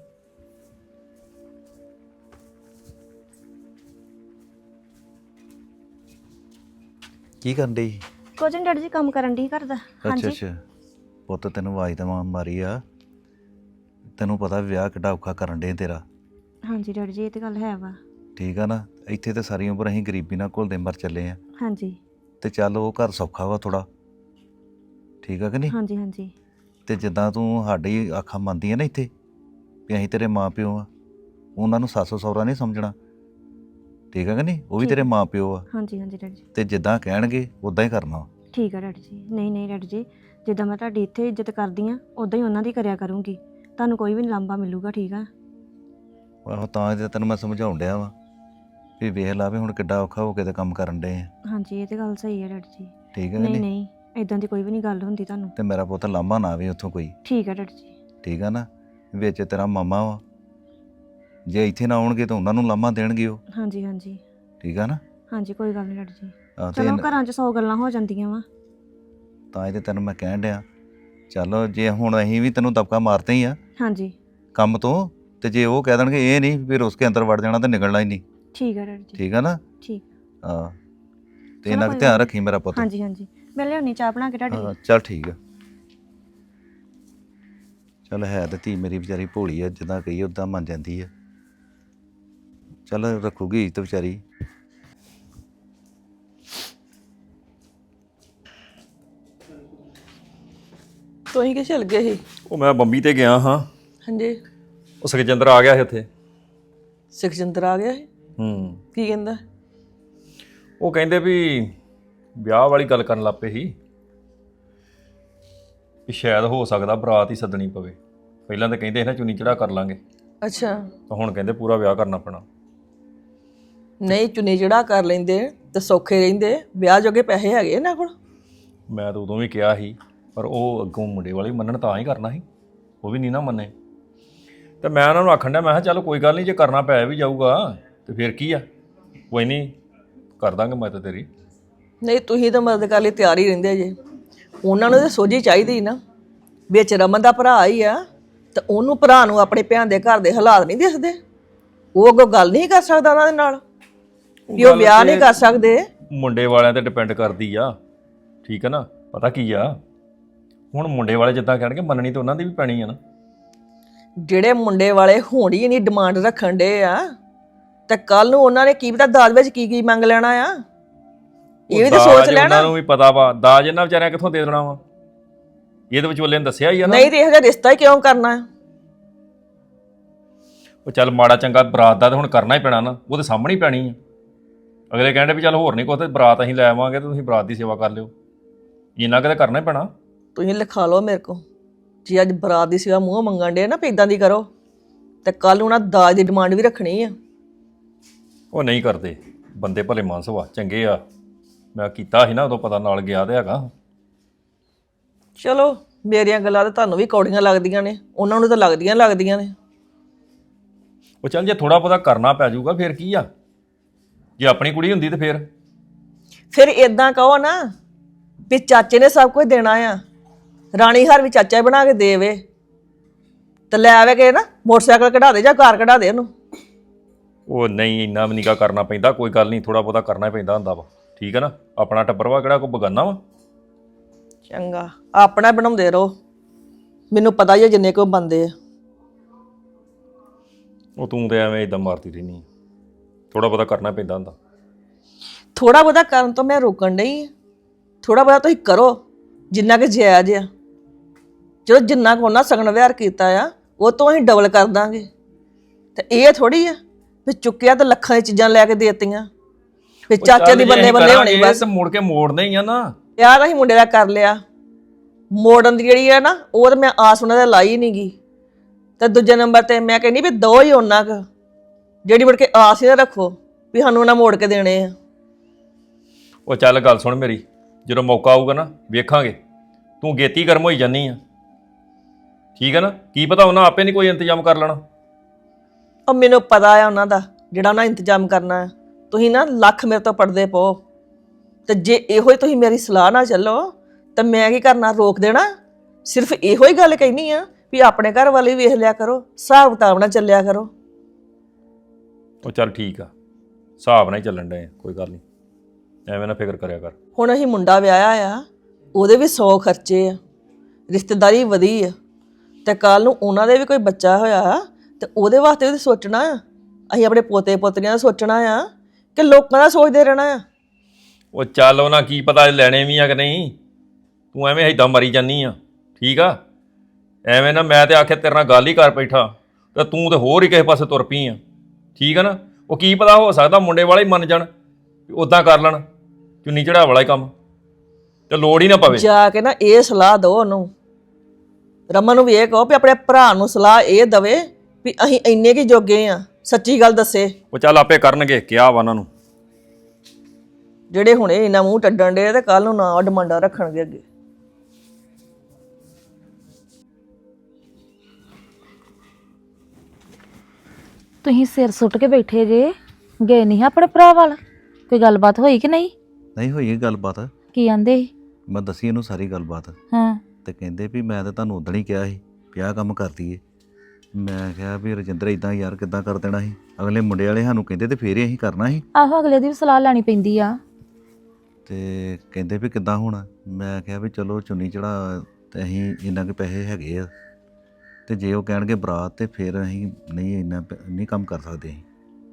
B: ਕੀ ਕਰਨ ਡਈ?
D: ਕੁਝ ਨਹੀਂ ਡੈਡੀ ਜੀ, ਕੰਮ ਕਰਨ ਦੀ ਕਰਦਾ।
B: ਅੱਛਾ ਅੱਛਾ ਪੁੱਤ, ਤੈਨੂੰ ਆਵਾਜ਼ ਤਾਂ ਮਾਂ ਮਾਰੀ ਆ, ਤੈਨੂੰ ਪਤਾ ਵਿਆਹ ਕਿੱਡਾ ਔਖਾ ਕਰਨ ਡੇ ਤੇਰਾ।
D: ਹਾਂਜੀ ਡੈਡੀ ਜੀ, ਇਹ ਤੇ ਗੱਲ ਹੈ ਵਾ।
B: ਠੀਕ ਆ ਨਾ, ਇੱਥੇ ਤੇ ਸਾਰੀ ਉਮਰ ਅਸੀਂ ਗਰੀਬੀ ਨਾਲ ਘੁਲਦੇ ਮਰ ਚੱਲੇ ਆ,
D: ਹਾਂਜੀ
B: ਤੇ ਚੱਲ ਉਹ ਘਰ ਸੌਖਾ ਵਾ ਥੋੜਾ। ਠੀਕ ਆ ਕਿ ਨਹੀਂ?
D: ਹਾਂਜੀ ਹਾਂਜੀ
B: ਤੇ ਜਿੱਦਾਂ ਤੂੰ ਸਾਡੀ ਆਖਾਂ ਮੰਨਦੀ ਆ ਨਾ ਇੱਥੇ ਵੀ ਅਸੀਂ ਤੇਰੇ ਮਾਂ ਪਿਓ ਆ, ਉਹਨਾਂ ਨੂੰ ਸੱਸ ਸਹੁਰਾ ਨਹੀਂ ਸਮਝਣਾ। ਠੀਕ ਆ ਕਿ ਨਹੀਂ? ਉਹ ਵੀ
D: ਠੀਕ।
B: ਤੇਰੇ ਮਾਂ ਪਿਓ ਆ,
D: ਹਾਂਜੀ ਹਾਂਜੀ ਡੈਡੀ ਜੀ,
B: ਤੇ ਜਿੱਦਾਂ ਕਹਿਣਗੇ ਉਦਾਂ ਹੀ ਕਰਨਾ।
D: ਠੀਕ ਆ ਡੈਡੀ ਜੀ। ਨਹੀਂ ਨਹੀਂ ਡੈਡੀ ਜੀ, ਜਿੱਦਾਂ ਮੈਂ ਤੁਹਾਡੀ ਇੱਥੇ ਇੱਜ਼ਤ ਕਰਦੀ ਆ, ਉਦਾਂ ਹੀ ਉਹਨਾਂ ਦੀ ਕਰਿਆ ਕਰੂੰਗੀ। ਤੁਹਾਨੂੰ ਕੋਈ ਵੀ ਨੀ ਲਾਂਭਾ ਮਿਲੂਗਾ। ਠੀਕ ਆ?
B: ਆਹੋ ਤਾਂ ਤੇ ਤੈਨੂੰ ਮੈਂ ਸਮਝਾਉਣ ਡਿਆ ਵਾ ਵੀ ਵੇਖ ਲਾ ਵੀ ਹੁਣ ਕਿੱਡਾ ਔਖਾ ਹੋ ਕੇ ਤੇ ਕੰਮ ਕਰਨ ਡੇ ਆ।
D: ਹਾਂਜੀ ਇਹ ਤੇ ਗੱਲ ਸਹੀ ਹੈ ਡੈਡੀ ਜੀ।
B: ਠੀਕ ਆ ਕਿ
D: ਨਹੀਂ
B: ਨਹੀਂ?
D: ਨਹੀਂ, ਇਦਾਂ ਦੀ ਕੋਈ ਵੀ ਨਹੀਂ ਗੱਲ ਹੁੰਦੀ ਤੁਹਾਨੂੰ।
B: ਤੇ ਮੇਰਾ ਪੁੱਤ ਲਾਂਭਾ ਨਾ ਆਵੇ ਉੱਥੋਂ ਕੋਈ।
D: ਠੀਕ ਆ ਡੈਡੀ ਜੀ।
B: ਠੀਕ ਆ ਨਾ, ਵਿੱਚ ਤੇਰਾ ਮਾਮਾ ਵਾ, ਜੇ ਇੱਥੇ ਨਾ ਆਉਣਗੇ ਤਾਂ ਉਹਨਾਂ ਨੂੰ ਲਾਂਭਾ ਦੇਣਗੇ ਉਹ।
D: ਹਾਂਜੀ ਹਾਂਜੀ
B: ਠੀਕ ਆ ਨਾ?
D: ਹਾਂਜੀ ਕੋਈ ਗੱਲ ਨਹੀਂ ਡੈਡੀ ਜੀ।
B: ਆਹ ਤੇ
D: ਚਲੋ ਘਰਾਂ 'ਚ ਸੌ ਗੱਲਾਂ ਹੋ ਜਾਂਦੀਆਂ ਵਾ।
B: ਤਾਂ ਇਹ ਤੇ ਤੈਨੂੰ ਮੈਂ ਕਹਿਣ ਡਿਆ, ਚੱਲ ਜੇ ਹੁਣ ਅਸੀਂ ਵੀ ਤੈਨੂੰ ਦਬਕਾ ਮਾਰਦੇ ਹੀ ਆ
D: ਹਾਂਜੀ
B: ਕੰਮ ਤੋਂ, ਤੇ ਜੇ ਉਹ ਕਹਿ ਦੇਣਗੇ ਇਹ ਨਹੀਂ ਫਿਰ ਉਸਕੇ ਅੰਦਰ ਵੜ ਜਾਣਾ ਤੇ ਨਿਕਲਣਾ ਹੀ ਨਹੀਂ।
D: ਠੀਕ ਆ ਡੈਡੀ ਜੀ।
B: ਠੀਕ ਆ ਨਾ?
D: ਠੀਕ।
B: ਹਾਂ, ਤੇ
D: ਚਲੋ
B: ਇਹਨਾਂ
D: ਕੋਈ
B: ਦਾ ਧਿਆਨ
D: ਗੱਲ
B: ਰੱਖੀ ਮੇਰਾ ਪੁੱਤ।
D: ਹਾਂਜੀ ਹਾਂਜੀ, ਮੈਂ ਲਿਆਉਣੀ ਚਾਹ ਬਣਾ ਕੇ ਤੁਹਾਡੇ ਲਈ।
B: ਹਾਂ ਚੱਲ ਠੀਕ ਆ। ਚੱਲ ਹੈ ਤੇ ਧੀ ਮੇਰੀ ਵਿਚਾਰੀ ਭੋਲੀ ਆ, ਜਿੱਦਾਂ ਕਹੀ ਉਦਾਂ ਮੰਨ ਜਾਂਦੀ ਆ। ਚੱਲ ਰੱਖੂਗੀ ਇੱਜ਼ਤ ਵਿਚਾਰੀ।
E: ਤੁਸੀਂ ਕਿ ਚੱਲ ਗਏ ਸੀ?
C: ਉਹ ਮੈਂ ਬੰਬੀ ਤੇ ਗਿਆ ਹਾਂ।
E: ਹਾਂਜੀ,
C: ਉਹ ਸੁਖਜਿੰਦਰ ਆ ਗਿਆ ਸੀ ਉੱਥੇ।
E: ਸੁਖਜਿੰਦਰ ਆ ਗਿਆ ਸੀ?
C: ਹੂੰ
E: ਕੀ ਕਹਿੰਦਾ?
C: ਉਹ ਕਹਿੰਦੇ ਵੀ ਵਿਆਹ ਵਾਲੀ ਗੱਲ ਕਰਨ ਲੱਗ ਪਏ ਸੀ ਵੀ ਸ਼ਾਇਦ ਹੋ ਸਕਦਾ ਬਰਾਤ ਹੀ ਸੱਦਣੀ ਪਵੇ। ਪਹਿਲਾਂ ਤਾਂ ਕਹਿੰਦੇ ਸੀ ਨਾ ਚੁੰਨੀ ਚੜਾ ਕਰ ਲਾਂਗੇ,
E: ਅੱਛਾ,
C: ਤਾਂ ਹੁਣ ਕਹਿੰਦੇ ਪੂਰਾ ਵਿਆਹ ਕਰਨਾ ਪੈਣਾ।
E: ਨਹੀਂ ਚੁੰਨੀ ਚੜਾ ਕਰ ਲੈਂਦੇ ਤੇ ਸੌਖੇ ਰਹਿੰਦੇ, ਵਿਆਹ ਜੋਗੇ ਪੈਸੇ ਹੈਗੇ ਇਹਨਾਂ ਕੋਲ।
C: ਮੈਂ ਤਾਂ ਉਦੋਂ ਵੀ ਕਿਹਾ ਸੀ, ਪਰ ਉਹ ਅੱਗੋਂ ਮੁੰਡੇ ਵਾਲੇ ਮੰਨਣ ਤਾਂ ਹੀ ਕਰਨਾ ਸੀ, ਉਹ ਵੀ ਨਹੀਂ ਨਾ ਮੰਨੇ। ਤੇ ਮੈਂ ਉਹਨਾਂ ਨੂੰ ਆਖਣ ਡਿਆ, ਮੈਂ ਕਿਹਾ ਚੱਲ ਕੋਈ ਗੱਲ ਨਹੀਂ, ਜੇ ਕਰਨਾ ਪੈ ਵੀ ਜਾਊਗਾ ਤੇ ਫਿਰ ਕੀ ਆ, ਕੋਈ ਨਹੀਂ ਕਰ ਦਾਂਗੇ ਮੈਂ ਤਾਂ ਤੇਰੀ।
E: ਨਹੀਂ ਤੁਸੀਂ ਤਾਂ ਮਦਦ ਕਰ ਲਈ ਤਿਆਰ ਹੀ ਰਹਿੰਦੇ ਜੇ। ਉਹਨਾਂ ਨੂੰ ਤਾਂ ਸੋਝੀ ਚਾਹੀਦੀ ਨਾ, ਵਿੱਚ ਰਮਨ ਦਾ ਭਰਾ ਹੀ ਆ, ਤੇ ਉਹਨੂੰ ਭਰਾ ਨੂੰ ਆਪਣੇ ਭੈਣ ਦੇ ਘਰ ਦੇ ਹਾਲਾਤ ਨਹੀਂ ਦਿਸਦੇ? ਉਹ ਅੱਗੋਂ ਗੱਲ ਨਹੀਂ ਕਰ ਸਕਦਾ ਉਹਨਾਂ ਦੇ ਨਾਲ ਵੀ ਉਹ ਵਿਆਹ ਨਹੀਂ ਕਰ ਸਕਦੇ?
C: ਮੁੰਡੇ ਵਾਲਿਆਂ ਤੇ ਡਿਪੈਂਡ ਕਰਦੀ ਆ। ਠੀਕ ਹੈ ਨਾ? ਪਤਾ ਕੀ ਆ, ਹੁਣ ਮੁੰਡੇ ਵਾਲੇ ਜਿੱਦਾਂ ਕਹਿਣਗੇ ਮੰਨਣੀ ਤਾਂ ਉਹਨਾਂ ਦੀ ਵੀ ਪੈਣੀ ਆ ਨਾ।
E: ਜਿਹੜੇ ਮੁੰਡੇ ਵਾਲੇ ਹੁਣ ਹੀ ਨਹੀਂ ਡਿਮਾਂਡ ਰੱਖਣ ਡੇ ਆ, ਤੇ ਕੱਲ ਨੂੰ ਉਹਨਾਂ ਨੇ ਕੀ ਪਤਾ ਦਾਜ ਵਿੱਚ ਕੀ ਕੀ ਮੰਗ ਲੈਣਾ ਆ, ਇਹ ਵੀ ਤਾਂ ਸੋਚ
C: ਦਾਜ
E: ਲੈਣਾ।
C: ਉਹਨਾਂ ਨੂੰ ਵੀ ਪਤਾ ਵਾ ਦਾਜ ਇਹਨਾਂ ਵਿਚਾਰਿਆਂ ਕਿੱਥੋਂ ਦੇ ਦੇਣਾ ਵਾ, ਇਹਦੇ ਵਿਚੋਲੇ ਨੇ ਦੱਸਿਆ ਹੀ ਆ ਨਾ।
E: ਨਹੀਂ ਤੇ ਇਹੋ ਜਿਹਾ ਰਿਸ਼ਤਾ ਹੀ ਕਿਉਂ ਕਰਨਾ ਹੈ?
C: ਉਹ ਚੱਲ ਮਾੜਾ ਚੰਗਾ ਬਰਾਤ ਦਾ ਤਾਂ ਹੁਣ ਕਰਨਾ ਹੀ ਪੈਣਾ ਨਾ, ਉਹ ਤੇ ਸਾਹਮਣੇ ਹੀ ਪੈਣੀ ਆ। ਅਗਲੇ ਕਹਿੰਦੇ ਵੀ ਚੱਲ ਹੋਰ ਨਹੀਂ ਕੁਛ ਤੇ ਬਰਾਤ ਅਸੀਂ ਲੈ ਆਵਾਂਗੇ ਤੇ ਤੁਸੀਂ ਬਰਾਤ ਦੀ ਸੇਵਾ ਕਰ ਲਿਓ, ਇੰਨਾ ਕਿਤੇ ਕਰਨਾ ਹੀ ਪੈਣਾ।
E: ਤੁਸੀਂ ਲਿਖਾ ਲਓ ਮੇਰੇ ਕੋ, ਜੇ ਅੱਜ ਬਰਾਤ ਦੀ ਸੇਵਾ ਮੂੰਹ ਮੰਗਣ ਡੇ ਨਾ ਵੀ ਇਦਾਂ ਦੀ ਕਰੋ, ਤੇ ਕੱਲ ਉਹਨਾਂ ਦਾਜ ਦੀ ਡਿਮਾਂਡ ਵੀ ਰੱਖਣੀ ਆ।
C: ਉਹ ਨਹੀਂ ਕਰਦੇ, ਬੰਦੇ ਭਲੇ ਮਾਨਸ ਵਾ, ਚੰਗੇ ਆ। ਮੈਂ ਕੀਤਾ ਸੀ ਨਾ ਉਦੋਂ, ਪਤਾ ਨਾਲ ਗਿਆ ਤੇ ਹੈਗਾ।
E: ਚਲੋ ਮੇਰੀਆਂ ਗੱਲਾਂ ਤਾਂ ਤੁਹਾਨੂੰ ਵੀ ਕੌੜੀਆਂ ਲੱਗਦੀਆਂ ਨੇ, ਉਹਨਾਂ ਨੂੰ ਤਾਂ ਲੱਗਦੀਆਂ ਲੱਗਦੀਆਂ ਨੇ।
C: ਉਹ ਚੱਲ ਜੇ ਥੋੜਾ ਬਹੁਤਾ ਕਰਨਾ ਪੈ ਜਾਊਗਾ ਫਿਰ ਕੀ ਆ, ਜੇ ਆਪਣੀ ਕੁੜੀ ਹੁੰਦੀ ਤੇ ਫਿਰ
E: ਫਿਰ ਇਦਾਂ ਕਹੋ ਨਾ ਵੀ ਚਾਚੇ ਨੇ ਸਭ ਕੁਝ ਦੇਣਾ ਆ, ਰਾਣੀ ਹਾਰ ਵੀ ਚਾਚਾ ਹੀ ਬਣਾ ਕੇ ਦੇਵੇ, ਤੇ ਲੈ ਆਵੇ ਕੇ ਨਾ ਮੋਟਰਸਾਈਕਲ ਕਢਾ ਦੇ ਜਾਂ ਕਾਰ ਕਢਾ ਦੇ ਉਹਨੂੰ।
C: ਉਹ ਨਹੀਂ ਇੰਨਾ ਵੀ ਨਿਕਾ ਕਰਨਾ ਪੈਂਦਾ, ਕੋਈ ਗੱਲ ਨਹੀਂ, ਥੋੜਾ ਬਹੁਤਾ ਕਰਨਾ ਹੀ ਪੈਂਦਾ ਹੁੰਦਾ ਵਾ, ਠੀਕ ਹੈ ਨਾ। ਆਪਣਾ ਟੱਬਰ ਵਾ, ਕਿਹੜਾ ਕੋਈ ਬਗਾਨਾ ਵਾ।
E: ਚੰਗਾ, ਆਪਣਾ ਬਣਾਉਂਦੇ ਰਹੋ, ਮੈਨੂੰ ਪਤਾ ਹੀ ਹੈ ਜਿੰਨੇ ਕੋ ਬੰਦੇ ਆ।
C: ਉਹ ਤੂੰ ਤੇ ਐਵੇਂ ਇਦਾਂ ਮਾਰਦੀ ਰਹਿਨੀ, ਥੋੜਾ ਬਹੁਤਾ ਕਰਨਾ ਪੈਂਦਾ ਹੁੰਦਾ।
E: ਥੋੜਾ ਬਹੁਤਾ ਕਰਨ ਤੋਂ ਮੈਂ ਰੋਕਣ ਨਹੀਂ ਆ, ਥੋੜਾ ਬਹੁਤਾ ਤੁਸੀਂ ਕਰੋ ਜਿੰਨਾ ਕਿ ਜਾਇਜ਼ ਆ। ਚਲੋ ਜਿੰਨਾ ਕੁ ਉਹਨਾਂ ਸਗਨ ਵਿਹਾਰ ਕੀਤਾ ਆ ਉਹ ਤੋਂ ਅਸੀਂ ਡਬਲ ਕਰ ਦਾਂਗੇ। ਤੇ ਇਹ ਥੋੜੀ ਆ ਵੀ ਚੁੱਕਿਆ ਤਾਂ ਲੱਖਾਂ ਦੀ ਚੀਜ਼ਾਂ ਲੈ ਕੇ ਦੇਤੀਆਂ ਵੀ ਚਾਚੇ ਦੀ ਬੱਲੇ ਬੱਲੇ ਹੋਣੀ ਬਸ।
C: ਮੁੜ ਕੇ ਮੋੜਨੇ ਹੀ ਆ ਨਾ।
E: ਯਾਰ ਅਸੀਂ ਮੁੰਡੇ ਦਾ ਕਰ ਲਿਆ, ਮੋੜਨ ਦੀ ਜਿਹੜੀ ਆ ਨਾ ਉਹ ਤਾਂ ਮੈਂ ਆਸ ਉਹਨਾਂ ਦੇ ਲਾਈ ਨਹੀਂ ਗਈ। ਤੇ ਦੂਜੇ ਨੰਬਰ ਤੇ ਮੈਂ ਕਹਿੰਦੀ ਵੀ ਦੋ ਹੀ ਉਹਨਾਂ ਕੁ ਜਿਹੜੀ ਮੁੜ ਕੇ ਆਸ ਹੀ ਨਾ ਰੱਖੋ ਵੀ ਸਾਨੂੰ ਉਹਨਾਂ ਮੋੜ ਕੇ ਦੇਣੇ ਆ।
C: ਉਹ ਚੱਲ ਗੱਲ ਸੁਣ ਮੇਰੀ, ਜਦੋਂ ਮੌਕਾ ਆਊਗਾ ਨਾ ਵੇਖਾਂਗੇ। ਤੂੰ ਗੇਤੀ ਗਰਮ ਹੋਈ ਜਾਨੀ ਆ, ਠੀਕ ਹੈ ਨਾ। ਕੀ ਪਤਾ ਉਹਨਾਂ ਆਪੇ ਨਹੀਂ ਕੋਈ ਇੰਤਜ਼ਾਮ ਕਰ ਲੈਣਾ।
E: ਉਹ ਮੈਨੂੰ ਪਤਾ ਆ ਉਹਨਾਂ ਦਾ ਜਿਹੜਾ ਉਹਨਾਂ ਇੰਤਜ਼ਾਮ ਕਰਨਾ ਹੈ। ਤੁਸੀਂ ਨਾ ਲੱਖ ਮੇਰੇ ਤੋਂ ਪੜਦੇ ਪਓ, ਤੇ ਜੇ ਇਹੋ ਹੀ ਤੁਸੀਂ ਮੇਰੀ ਸਲਾਹ ਨਾਲ ਚੱਲੋ ਤਾਂ ਮੈਂ ਕੀ ਕਰਨਾ, ਰੋਕ ਦੇਣਾ। ਸਿਰਫ ਇਹੋ ਹੀ ਗੱਲ ਕਹਿਨੀ ਆ ਵੀ ਆਪਣੇ ਘਰ ਵਾਲੇ ਵੇਖ ਲਿਆ ਕਰੋ, ਹਿਸਾਬ ਕਿਤਾਬ ਨਾਲ ਚੱਲਿਆ ਕਰੋ।
C: ਉਹ ਚੱਲ ਠੀਕ ਆ, ਹਿਸਾਬ ਨਾਲ ਹੀ ਚੱਲਣ ਡਏ ਆ, ਕੋਈ ਗੱਲ ਨਹੀਂ, ਐਵੇਂ ਨਾ ਫਿਕਰ ਕਰਿਆ ਕਰ।
E: ਹੁਣ ਅਸੀਂ ਮੁੰਡਾ ਵਿਆਹਿਆ ਆ, ਉਹਦੇ ਵੀ ਸੌ ਖਰਚੇ ਆ, ਰਿਸ਼ਤੇਦਾਰੀ ਵਧੀ ਆ, ਤੇ ਕੱਲ ਨੂੰ ਉਹਨਾਂ ਦੇ ਵੀ ਕੋਈ ਬੱਚਾ ਹੋਇਆ ਤੇ ਉਹਦੇ ਵਾਸਤੇ ਵੀ ਸੋਚਣਾ ਆ। ਅਸੀਂ ਆਪਣੇ ਪੋਤੇ ਪੋਤਰੀਆਂ ਦਾ ਸੋਚਣਾ ਆ ਕਿ ਲੋਕਾਂ ਦਾ ਸੋਚਦੇ ਰਹਿਣਾ ਆ।
C: ਉਹ ਚੱਲ ਉਹਨਾਂ ਕੀ ਪਤਾ ਲੈਣੇ ਵੀ ਆ ਕਿ ਨਹੀਂ, ਤੂੰ ਐਵੇਂ ਏਦਾਂ ਮਰੀ ਜਾਨੀ ਆ, ਠੀਕ ਆ। ਐਵੇਂ ਨਾ ਮੈਂ ਤੇ ਆਖਿਆ ਤੇਰੇ ਨਾਲ ਗੱਲ ਹੀ ਕਰ ਬੈਠਾ ਤੇ ਤੂੰ ਤੇ ਹੋਰ ਹੀ ਕਿਸੇ ਪਾਸੇ ਤੁਰ ਪਈ ਆ, ਠੀਕ ਆ ਨਾ। ਉਹ ਕੀ ਪਤਾ, ਹੋ ਸਕਦਾ ਮੁੰਡੇ ਵਾਲੇ ਹੀ ਮੰਨ ਜਾਣ, ਉੱਦਾਂ ਕਰ ਲੈਣ, ਚੁੰਨੀ ਚੜਾ ਵਾਲਾ ਹੀ ਕੰਮ, ਤੇ ਲੋੜ ਹੀ ਨਾ ਪਵੇ।
E: ਜਾ ਕੇ ਨਾ ਇਹ ਸਲਾਹ ਦਿਓ ਉਹਨੂੰ, ਰਮਨ ਨੂੰ ਵੀ ਇਹ ਕਹੋ ਵੀ ਆਪਣੇ ਭਰਾ ਨੂੰ ਸਲਾਹ ਇਹ ਦਵੇ ਵੀ ਅਸੀਂ ਇੰਨੇ ਕੀ ਜੋਗੇ ਆ, ਸੱਚੀ ਗੱਲ ਦੱਸੇ।
C: ਉਹ ਚੱਲ ਆਪੇ ਕਰਨਗੇ, ਕਿਹਾ ਵਾ ਉਹਨਾਂ ਨੂੰ।
E: ਜਿਹੜੇ ਹੁਣੇ ਇੰਨਾ ਮੂੰਹ ਟੱਡਣ ਡੇ ਤੇ ਕੱਲ ਨੂੰ ਨਾ ਡਿਮਾਂਡਾਂ ਰੱਖਣਗੇ ਅੱਗੇ।
A: ਤੁਸੀਂ ਸਿਰ ਸੁੱਟ ਕੇ ਬੈਠੇ ਜੇ, ਗਏ ਨਹੀਂ ਆਪਣੇ ਭਰਾ ਵੱਲ? ਕੋਈ ਗੱਲਬਾਤ ਹੋਈ ਕਿ ਨਹੀਂ?
B: ਨਹੀਂ ਹੋਈ ਇਹ ਗੱਲਬਾਤ,
A: ਕੀ ਆਂਦੇ ਸੀ?
B: ਮੈਂ ਦੱਸੀ ਇਹਨੂੰ ਸਾਰੀ ਗੱਲਬਾਤ,
A: ਹਾਂ।
B: ਤੇ ਕਹਿੰਦੇ ਵੀ ਮੈਂ ਤਾਂ ਤੁਹਾਨੂੰ ਉਦਣ ਹੀ ਕਿਹਾ ਸੀ ਵੀ ਆਹ ਕੰਮ ਕਰਦੀ ਏ। ਮੈਂ ਕਿਹਾ ਵੀ ਰਜਿੰਦਰ ਇਦਾਂ ਯਾਰ ਕਿੱਦਾਂ ਕਰ ਦੇਣਾ ਸੀ, ਅਗਲੇ ਮੁੰਡੇ ਵਾਲੇ ਸਾਨੂੰ ਕਹਿੰਦੇ ਤੇ ਫੇਰ ਹੀ ਅਸੀਂ ਕਰਨਾ ਸੀ।
A: ਆਹੋ, ਅਗਲੇ ਦੀ ਵੀ ਸਲਾਹ ਲੈਣੀ ਪੈਂਦੀ ਆ।
B: ਤੇ ਕਹਿੰਦੇ ਵੀ ਕਿੱਦਾਂ ਹੋਣਾ। ਮੈਂ ਕਿਹਾ ਵੀ ਚਲੋ ਚੁੰਨੀ ਚੜਾ ਤੇ ਅਸੀਂ ਇੰਨਾ ਕੁ ਪੈਸੇ ਹੈਗੇ ਆ, ਤੇ ਜੇ ਉਹ ਕਹਿਣਗੇ ਬਰਾਤ ਤੇ ਫਿਰ ਅਸੀਂ ਨਹੀਂ ਇੰਨਾ ਪ- ਨਹੀਂ ਕੰਮ ਕਰ ਸਕਦੇ ਅਸੀਂ।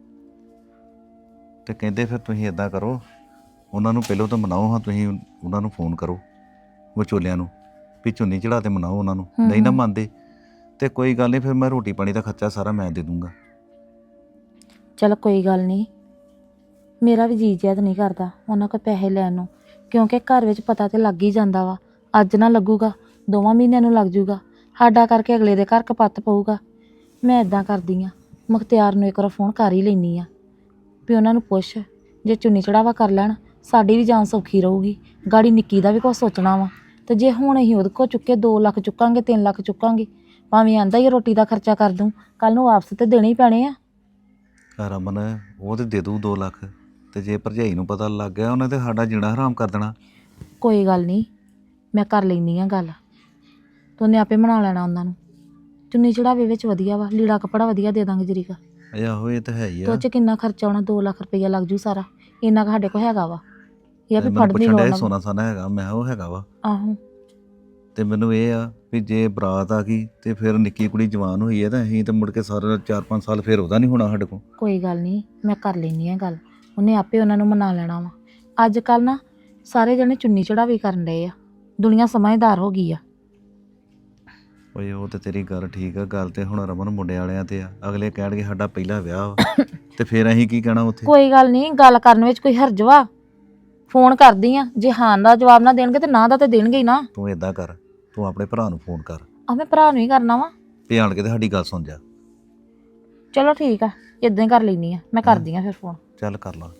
B: ਤੇ ਕਹਿੰਦੇ ਫਿਰ ਤੁਸੀਂ ਇਦਾਂ ਕਰੋ, ਉਹਨਾਂ ਨੂੰ ਪਹਿਲਾਂ ਤਾਂ ਮਨਾਓ ਹਾਂ, ਤੁਸੀਂ ਉਹਨਾਂ ਨੂੰ ਫੋਨ ਕਰੋ ਵਿਚੋਲਿਆਂ ਨੂੰ ਵੀ ਚੁੰਨੀ ਚੜਾ ਤੇ ਮਨਾਓ ਉਹਨਾਂ ਨੂੰ। ਨਹੀਂ ਨਾ ਮੰਨਦੇ ਤੇ ਕੋਈ ਗੱਲ ਨਹੀਂ, ਫਿਰ ਮੈਂ ਰੋਟੀ ਪਾਣੀ ਦਾ ਖਰਚਾ ਸਾਰਾ ਮੈਂ ਦੇ ਦੂੰਗਾ।
A: ਚਲ ਕੋਈ ਗੱਲ ਨਹੀਂ, ਮੇਰਾ ਵੀ ਜੀ ਜਿਆਦ ਨਹੀਂ ਕਰਦਾ ਉਹਨਾਂ ਕੋਲ ਪੈਸੇ ਲੈਣ ਨੂੰ, ਕਿਉਂਕਿ ਘਰ ਵਿੱਚ ਪਤਾ ਤੇ ਲੱਗ ਹੀ ਜਾਂਦਾ ਵਾ। ਅੱਜ ਨਾ ਲੱਗੂਗਾ, ਦੋਵਾਂ ਮਹੀਨਿਆਂ ਨੂੰ ਲੱਗ ਜੂਗਾ, ਸਾਡਾ ਕਰਕੇ ਅਗਲੇ ਦੇ ਘਰ ਕਪੱਤ ਪਊਗਾ। ਮੈਂ ਇਦਾਂ ਕਰਦੀ ਆ, ਮੁਖਤਿਆਰ ਨੂੰ ਇੱਕ ਵਾਰ ਫੋਨ ਕਰ ਹੀ ਲੈਂਦੀ ਆ ਵੀ ਉਹਨਾਂ ਨੂੰ ਪੁੱਛ, ਜੇ ਚੁੰਨੀ ਚੜਾਵਾ ਕਰ ਲੈਣ ਸਾਡੀ ਵੀ ਜਾਨ ਸੌਖੀ ਰਹੂਗੀ। ਗਾੜੀ ਨਿੱਕੀ ਦਾ ਵੀ ਕੁਛ ਸੋਚਣਾ ਵਾ। ਤੇ ਜੇ ਹੁਣ ਅਸੀਂ ਉਹਦੇ ਕੋਲ ਚੁੱਕੇ ਦੋ ਲੱਖ ਚੁੱਕਾਂਗੇ, ਤਿੰਨ ਲੱਖ ਚੁੱਕਾਂਗੇ, ਭਾਵੇਂ ਆਂਦਾ ਹੀ ਰੋਟੀ ਦਾ ਖਰਚਾ ਕਰ ਦੂੰ, ਕੱਲ ਨੂੰ ਵਾਪਸ ਤੇ ਦੇਣੇ ਹੀ ਪੈਣੇ ਆ।
B: ਰਮਨ ਉਹ ਤੇ ਦੇ ਦੂ ਦੋ ਲੱਖ, ਤੇ ਜੇ ਭਰਜਾਈ ਨੂੰ ਪਤਾ ਲੱਗ ਗਿਆ ਉਹਨੇ ਤੇ ਸਾਡਾ ਜੀਣਾ ਹਰਾਮ ਕਰ ਦੇਣਾ।
A: ਕੋਈ ਗੱਲ ਨਹੀਂ, ਮੈਂ ਕਰ ਲੈਂਦੀ ਆ ਗੱਲ, ਤੂੰ ਨੇ ਆਪੇ ਬਣਾ ਲੈਣਾ ਉਹਨਾਂ ਨੂੰ। ਚੁੰਨੀ ਚੜਾਵੇ ਵਿੱਚ ਵਧੀਆ ਵਾ, ਲੀੜਾ ਕੱਪੜਾ ਵਧੀਆ ਦੇ ਦਾਂਗੇ ਜਰੀਕਾ।
B: ਆਹੋ ਇਹ ਤਾਂ ਹੈ ਹੀ
A: ਤੇ
B: ਆ।
A: ਉਹ 'ਚ ਕਿੰਨਾ ਖਰਚਾ ਆਉਣਾ, ਦੋ ਲੱਖ ਰੁਪਈਆ ਲੱਗ ਜੂ ਸਾਰਾ, ਇੰਨਾ ਕੁ ਸਾਡੇ ਕੋਲ ਹੈਗਾ ਵਾ। ਇਹ ਆ ਵੀ
B: ਮੈਨੂੰ
A: ਫੜਨੀ
B: ਪੁੱਛਣ
A: ਲੋੜ
B: ਡਿਆ
A: ਨਾ।
B: ਸੋਨਾ ਸਾਨਾ ਹੈਗਾ, ਮੈਂ ਕਿਹਾ ਉਹ ਹੈਗਾ ਵਾ।
A: ਆਹੋ,
B: ਤੇ ਮੈਨੂੰ ਇਹ ਆ ਵੀ ਜੇ ਬਰਾਤ ਆ ਗਈ ਤੇ ਫਿਰ ਨਿੱਕੀ ਕੁੜੀ ਜਵਾਨ ਹੋਈ ਹੈ ਤਾਂ ਅਸੀਂ ਤੇ ਮੁੜ ਕੇ ਸਾਰਾ ਚਾਰ ਪੰਜ ਸਾਲ ਫਿਰ ਉਹਦਾ ਨਹੀਂ ਹੋਣਾ ਸਾਡੇ ਕੋਲ।
A: ਕੋਈ ਗੱਲ ਨਹੀਂ, ਮੈਂ ਕਰ ਲੈਂਦੀ ਆ ਗੱਲ, ਉਹਨੇ ਆਪੇ ਉਹਨਾਂ ਨੂੰ ਮਨਾ ਲੈਣਾ ਵਾ। ਅੱਜ ਕੱਲ ਨਾ ਸਾਰੇ ਜਣੇ ਚੁੰਨੀ ਚੜਾਵੇ ਕਰਨ ਡਏ ਆ, ਦੁਨੀਆ ਸਮਝਦਾਰ ਹੋ ਗਈ ਆ।
B: ਓਏ ਉਹ ਤੇ ਤੇਰੀ ਗੱਲ ਠੀਕ ਆ, ਗੱਲ ਤੇ ਹੁਣ ਰਮਨ ਮੁੰਡੇ ਵਾਲਿਆਂ ਤੇ ਆ। ਅਗਲੇ ਕਹਿਣਗੇ ਸਾਡਾ ਪਹਿਲਾ ਵਿਆਹ ਵਾ ਤੇ ਫਿਰ ਅਸੀਂ ਕੀ ਕਹਿਣਾ ਉੱਥੇ।
A: ਕੋਈ ਗੱਲ ਨਹੀਂ, ਗੱਲ ਕਰਨ ਵਿੱਚ ਕੋਈ ਹਰਜ ਵਾ? ਫੋਨ ਕਰਦੀ ਆ, ਜੇ ਹਾਂ ਦਾ ਜਵਾਬ ਨਾ ਦੇਣਗੇ ਤੇ ਨਾ ਦਾ ਤੇ ਦੇਣਗੇ ਹੀ ਨਾ।
B: ਤੂੰ ਏਦਾਂ ਕਰ, ਤੂੰ ਆਪਣੇ ਭਰਾ ਨੂੰ ਫੋਨ ਕਰ,
A: ਆ ਮੈਂ ਭਰਾ ਨੂੰ ਹੀ ਕਰਨਾ ਵਾ।
B: ਤੇ ਆਣ ਕੇ ਤੇ ਸਾਡੀ ਗੱਲ ਸੁਣ ਜਾ।
A: ਚਲੋ ਠੀਕ ਆ, ਇਦਾਂ ਹੀ ਕਰ ਲੈਂਦੀ ਆ, ਮੈਂ ਕਰਦੀ ਆ ਫਿਰ ਫੋਨ।
B: ਚੱਲ ਕਰ ਲਾ।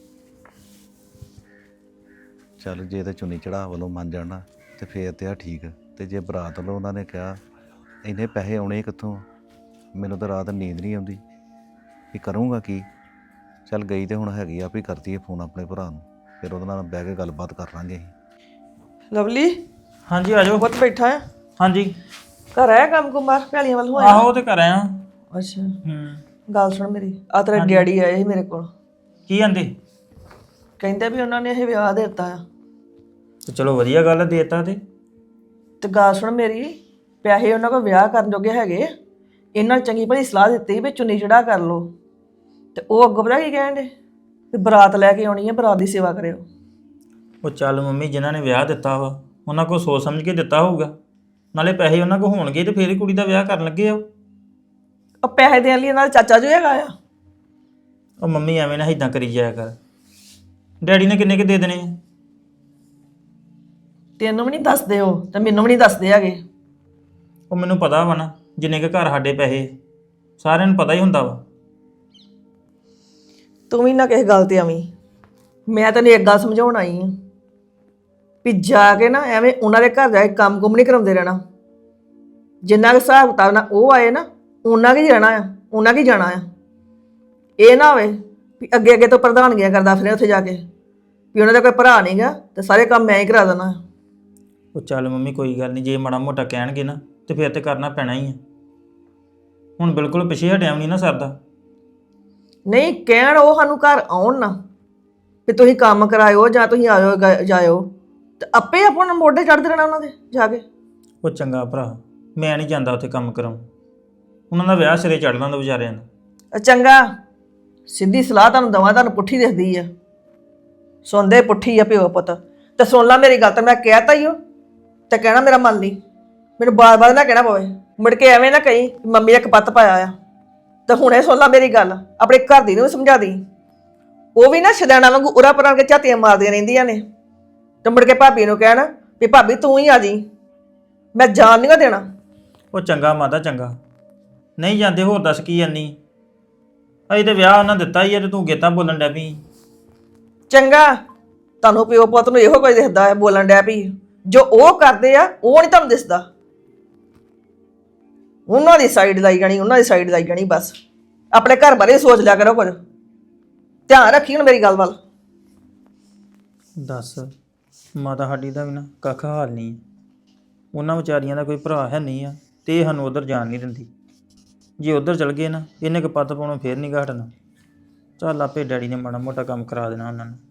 B: ਚੱਲ ਜੇ ਤੇ ਚੁੰਨੀ ਚੜਾ ਵੱਲੋਂ ਮੰਨ ਜਾਣਾ ਤੇ ਫੇਰ ਤੇ ਆ ਠੀਕ, ਤੇ ਜੇ ਬਰਾਤ ਵੱਲੋਂ ਉਹਨਾਂ ਨੇ ਕਿਹਾ ਇੰਨੇ ਪੈਸੇ ਆਉਣੇ ਕਿੱਥੋਂ, ਮੈਨੂੰ ਤਾਂ ਰਾਤ ਨੀਂਦ ਨਹੀਂ ਆਉਂਦੀ ਵੀ ਕਰੂੰਗਾ ਕੀ। ਚੱਲ ਗਈ ਤੇ ਹੁਣ ਹੈਗੀ ਆ ਵੀ ਕਰਦੀ ਹੈ ਫੋਨ ਆਪਣੇ ਭਰਾ ਨੂੰ, ਫਿਰ ਉਹਦੇ ਨਾਲ ਬਹਿ ਕੇ ਗੱਲਬਾਤ ਕਰ ਲਾਂਗੇ ਅਸੀਂ।
E: ਲਵਲੀ
F: ਹਾਂਜੀ ਆ ਜਾਓ।
E: ਬਹੁਤ ਬੈਠਾ ਆ,
F: ਹਾਂਜੀ
E: ਘਰ ਆਇਆ ਕੰਮ ਕੁਮਾਰ ਭੈਲੀਆਂ ਵੱਲ ਹੋਇਆ?
F: ਆਹੋ ਉਹ ਤੇ ਕਰ ਆਇਆ।
E: ਅੱਛਾ,
F: ਹੂੰ
E: ਗੱਲ ਸੁਣ ਮੇਰੀ, ਆ ਤੇਰੇ ਡੈਡੀ ਆਏ ਸੀ ਮੇਰੇ ਕੋਲ,
F: ਕੀ ਆਂਦੇ?
E: ਕਹਿੰਦੇ ਵੀ ਉਹਨਾਂ ਨੇ ਇਹ ਵਿਆਹ ਦੇ ਦਿੱਤਾ ਆ।
F: ਤੇ ਚਲੋ ਵਧੀਆ ਗੱਲ ਆ, ਦੇਤਾ ਤੇ
E: ਤੇ ਗੱਲ ਸੁਣ ਮੇਰੀ, ਪੈਸੇ ਉਹਨਾਂ ਕੋਲ ਵਿਆਹ ਕਰਨ ਜੋਗੇ ਹੈਗੇ, ਇਹਨਾਂ ਨੇ ਚੰਗੀ ਭਲੀ ਸਲਾਹ ਦਿੱਤੀ ਵੀ ਚੁੰਨੀ ਚੜਾ ਕਰ ਲੋ। ਤੇ ਉਹ ਅੱਗੋਂ ਪਤਾ ਕੀ ਕਹਿਣ ਦੇ ਵੀ ਬਰਾਤ ਲੈ ਕੇ ਆਉਣੀ ਹੈ, ਬਰਾਤ ਦੀ ਸੇਵਾ ਕਰਿਓ।
F: ਉਹ ਚੱਲ ਮੰਮੀ, ਜਿਨ੍ਹਾਂ ਨੇ ਵਿਆਹ ਦਿੱਤਾ ਵਾ ਉਹਨਾਂ ਕੋਲ ਸੋਚ ਸਮਝ ਕੇ ਦਿੱਤਾ ਹੋਊਗਾ, ਨਾਲੇ ਪੈਸੇ ਉਹਨਾਂ ਕੋਲ ਹੋਣਗੇ ਤੇ ਫੇਰ ਹੀ ਕੁੜੀ ਦਾ ਵਿਆਹ ਕਰਨ ਲੱਗੇ ਆ।
E: ਉਹ ਪੈਸੇ ਦੇਣ ਲਈ ਇਹਨਾਂ ਦਾ ਚਾਚਾ ਜੋ ਹੈਗਾ ਆ।
F: ਉਹ ਮੰਮੀ ਐਵੇਂ ਨਾ ਇਦਾਂ ਕਰੀ ਜਾਇਆ ਕਰ, ਡੈਡੀ ਨੇ ਕਿੰਨੇ ਕੁ ਦੇ ਦੇਣੇ ਆ?
E: ਤੈਨੂੰ ਵੀ ਨਹੀਂ ਦੱਸਦੇ ਉਹ, ਤੇ ਮੈਨੂੰ ਵੀ ਨਹੀਂ ਦੱਸਦੇ ਹੈਗੇ।
F: ਉਹ ਮੈਨੂੰ ਪਤਾ ਵਾ ਨਾ, ਜਿੰਨੇ ਕੁ ਘਰ ਸਾਡੇ ਪੈਸੇ ਸਾਰਿਆਂ ਨੂੰ ਪਤਾ ਹੀ ਹੁੰਦਾ ਵਾ।
E: ਤੂੰ ਵੀ ਨਾ ਕਿਸੇ ਗੱਲ ਤੇ ਆਵੀਂ, ਮੈਂ ਤੈਨੂੰ ਇੱਕ ਗੱਲ ਸਮਝਾਉਣ ਆਈ ਹਾਂ ਵੀ ਜਾ ਕੇ ਨਾ ਐਵੇਂ ਉਹਨਾਂ ਦੇ ਘਰ ਜਾ ਕੇ ਕੰਮ ਕੁੰਮ ਨਹੀਂ ਕਰਾਉਂਦੇ ਰਹਿਣਾ। ਜਿੰਨਾ ਕੁ ਹਿਸਾਬ ਕਿਤਾਬ ਨਾਲ ਉਹ ਆਏ ਨਾ, ਉਹਨਾਂ ਕੀ ਰਹਿਣਾ ਆ, ਉਹਨਾਂ ਕੀ ਜਾਣਾ ਆ। ਇਹ ਨਾ ਹੋਵੇ ਵੀ ਅੱਗੇ ਅੱਗੇ ਤੋਂ ਪ੍ਰਧਾਨਗੀਆਂ ਕਰਦਾ ਫਿਰੇ ਉੱਥੇ ਜਾ ਕੇ ਵੀ ਉਹਨਾਂ ਦਾ ਕੋਈ ਭਰਾ ਨਹੀਂ ਗਾ ਤੇ ਸਾਰੇ ਕੰਮ ਮੈਂ ਹੀ ਕਰਾ ਦੇਣਾ।
F: ਉਹ ਚੱਲ ਮੰਮੀ ਕੋਈ ਗੱਲ ਨਹੀਂ, ਜੇ ਮਾੜਾ ਮੋਟਾ ਕਹਿਣਗੇ ਨਾ ਤੇ ਫਿਰ ਤੇ ਕਰਨਾ ਪੈਣਾ ਹੀ ਆ। ਹੁਣ ਬਿਲਕੁਲ ਪਿੱਛੇ ਹਟਿਆ ਨਹੀਂ ਨਾ ਸਰਦਾ।
E: ਨਹੀਂ ਕਹਿਣ ਉਹ ਸਾਨੂੰ ਘਰ ਆਉਣ ਨਾ ਵੀ ਤੁਸੀਂ ਕੰਮ ਕਰਾਇਓ ਜਾਂ ਤੁਸੀਂ ਆਇਓ ਗਾ- ਜਾਇਓ, ਤੇ ਆਪੇ ਆਪਣਾ ਮੋਢੇ ਚੜ੍ਹਦੇ ਰਹਿਣਾ ਉਹਨਾਂ ਦੇ ਜਾ ਕੇ।
F: ਉਹ ਚੰਗਾ ਭਰਾ, ਮੈਂ ਨਹੀਂ ਜਾਂਦਾ ਉੱਥੇ ਕੰਮ ਕਰਾਉਣ, ਉਹਨਾਂ ਦਾ ਵਿਆਹ ਸਿਰੇ ਚੜ੍ਹ ਲੈਂਦਾ ਵਿਚਾਰਿਆਂ ਦਾ।
E: ਅ ਚੰਗਾ, ਸਿੱਧੀ ਸਲਾਹ ਤੁਹਾਨੂੰ ਦਵਾਂ, ਤੁਹਾਨੂੰ ਪੁੱਠੀ ਦਿਖਦੀ ਆ। ਸੁਣਦੇ ਪੁੱਠੀ ਆ ਪਿਓ ਪੁੱਤ। ਤੇ ਸੁਣ ਲਾ ਮੇਰੀ ਗੱਲ, ਤਾਂ ਮੈਂ ਕਹਿਤਾ ਹੀ ਉਹ ਤੇ ਕਹਿਣਾ ਮੇਰਾ ਮੰਨ ਲਈ, ਮੈਨੂੰ ਬਾਰ-ਬਾਰ ਨਾ ਕਹਿਣਾ ਪਵੇ। ਮੁੜ ਕੇ ਐਵੇਂ ਨਾ ਕਹੀਂ ਮੰਮੀ ਨੇ ਕਪੱਤ ਪਾਇਆ ਆ। ਤੇ ਹੁਣੇ ਸੁਣ ਲਾ ਮੇਰੀ ਗੱਲ, ਆਪਣੇ ਘਰ ਦੀ ਨੂੰ ਵੀ ਸਮਝਾ ਦੀ। ਉਹ ਵੀ ਨਾ ਸ਼ਦੈਣਾ ਵਾਂਗੂ ਉਰਾ ਪਰਾਂ ਕੇ ਝਾਤੀਆਂ ਮਾਰਦੀਆਂ ਰਹਿੰਦੀਆਂ ਨੇ। ਤੇ ਮੁੜ ਕੇ ਭਾਬੀ ਨੂੰ ਕਹਿਣਾ ਵੀ ਭਾਬੀ ਤੂੰ ਹੀ ਆ ਜੀ, ਮੈਂ ਜਾਣ ਨਹੀਂ ਦੇਣਾ।
F: ਉਹ ਚੰਗਾ ਮਾਤਾ ਚੰਗਾ, ਨਹੀਂ ਜਾਂਦੇ ਹੋਰ ਦੱਸ ਕੀ ਜਾਨੀ? ਅਜੇ ਤੇ ਵਿਆਹ ਉਹਨਾਂ ਦਿੱਤਾ ਹੀ ਆ ਤੇ ਤੂੰ ਗੇਤਾਂ ਬੋਲਣ ਡੈ ਪਈ।
E: ਚੰਗਾ, ਤੁਹਾਨੂੰ ਪਿਓ ਪੁੱਤ ਨੂੰ ਇਹੋ ਕੁਝ ਦਿਖਦਾ ਹੈ, ਬੋਲਣ ਡਿਆ ਵੀ ਜੋ ਉਹ ਕਰਦੇ ਆ ਉਹ ਨਹੀਂ ਤੁਹਾਨੂੰ ਦਿਸਦਾ। ਉਹਨਾਂ ਦੀ ਸਾਈਡ ਲਾਈ ਜਾਣੀ, ਉਹਨਾਂ ਦੀ ਸਾਈਡ ਲਾਈ ਜਾਣੀ। ਬਸ ਆਪਣੇ ਘਰ ਬਾਰੇ ਸੋਚ ਲਿਆ ਕਰੋ ਕੁਝ, ਧਿਆਨ ਰੱਖੀ ਹੁਣ ਮੇਰੀ ਗੱਲ ਵੱਲ।
F: ਦੱਸ, ਮਾਤਾ ਸਾਡੀ ਦਾ ਵੀ ਨਾ ਕੱਖ ਹਾਲ ਨਹੀਂ। ਉਹਨਾਂ ਵਿਚਾਰੀਆਂ ਦਾ ਕੋਈ ਭਰਾ ਹੈ ਨਹੀਂ ਆ ਤੇ ਇਹ ਸਾਨੂੰ ਉਧਰ ਜਾਣ ਨਹੀਂ ਦਿੰਦੀ। ਜੇ ਉਧਰ ਚਲ ਗਏ ਨਾ, ਇਹਨੇ ਕਪੱਤ ਪਾਉਣੋਂ ਫੇਰ ਨਹੀਂ ਘਟਣਾ। ਚੱਲ ਆਪੇ ਡੈਡੀ ਨੇ ਮਾੜਾ ਮੋਟਾ ਕੰਮ ਕਰਾ ਦੇਣਾ ਉਹਨਾਂ ਨੂੰ।